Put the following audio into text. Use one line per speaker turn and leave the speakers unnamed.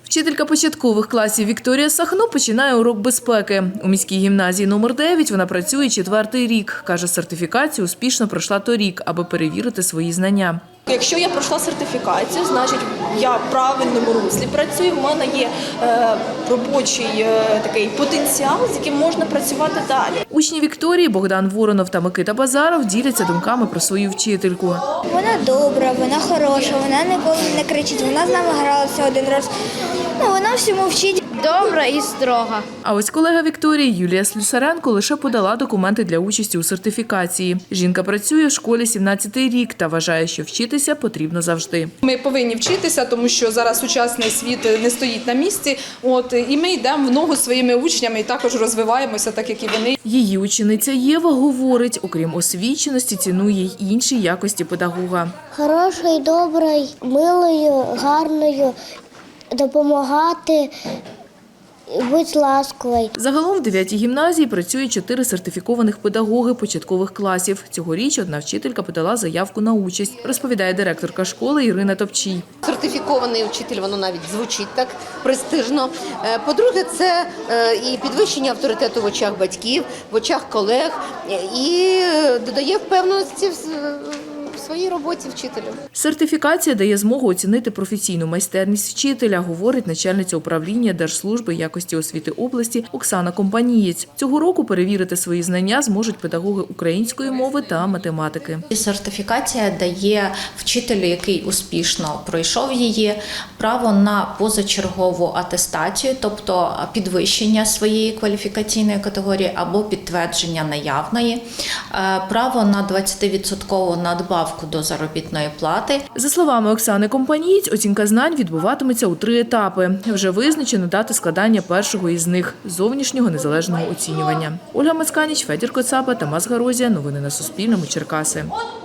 Вчителька початкових класів Вікторія Сахно починає урок безпеки. У міській гімназії номер 9 вона працює 4-й рік. Каже, сертифікацію успішно пройшла торік, аби перевірити свої знання.
Якщо я пройшла сертифікацію, значить я в правильному руслі працюю, в мене є робочий такий потенціал, з яким можна працювати далі.
Учні Вікторії Богдан Воронов та Микита Базаров діляться думками про свою вчительку.
Вона добра, вона хороша, вона ніколи не кричить, вона з нами гралася один раз. Вона всьому вчить.
Добра і строга.
А ось колега Вікторії Юлія Слюсаренко лише подала документи для участі у сертифікації. Жінка працює в школі 17-й рік та вважає, що вчитися потрібно завжди.
Ми повинні вчитися, тому що зараз сучасний світ не стоїть на місці. І ми йдемо в ногу зі своїми учнями і також розвиваємося, так як і вони.
Її учениця Єва говорить, окрім освіченості, цінує й інші якості педагога.
Хорошою, доброю, милою, гарною, допомагати, бути ласковою.
Загалом в 9-й гімназії працює 4 сертифікованих педагоги початкових класів. Цьогоріч одна вчителька подала заявку на участь, розповідає директорка школи Ірина Топчій.
Сертифікований вчитель, воно навіть звучить так престижно. По-друге, це і підвищення авторитету в очах батьків, в очах колег і додає впевненості в своїй роботі вчителю.
Сертифікація дає змогу оцінити професійну майстерність вчителя, говорить начальниця управління Держслужби якості освіти області Оксана Компанієць. Цього року перевірити свої знання зможуть педагоги української мови та математики.
Сертифікація дає вчителю, який успішно пройшов її, право на позачергову атестацію, тобто підвищення своєї кваліфікаційної категорії або підтвердження наявної, право на 20% надбавку до заробітної плати.
За словами Оксани Компанієць, оцінка знань відбуватиметься у 3 етапи. Вже визначено дати складання першого із них – зовнішнього незалежного оцінювання. Ольга Мацканіч, Федір Коцаба, Тамас Гарозія. Новини на Суспільному. Черкаси.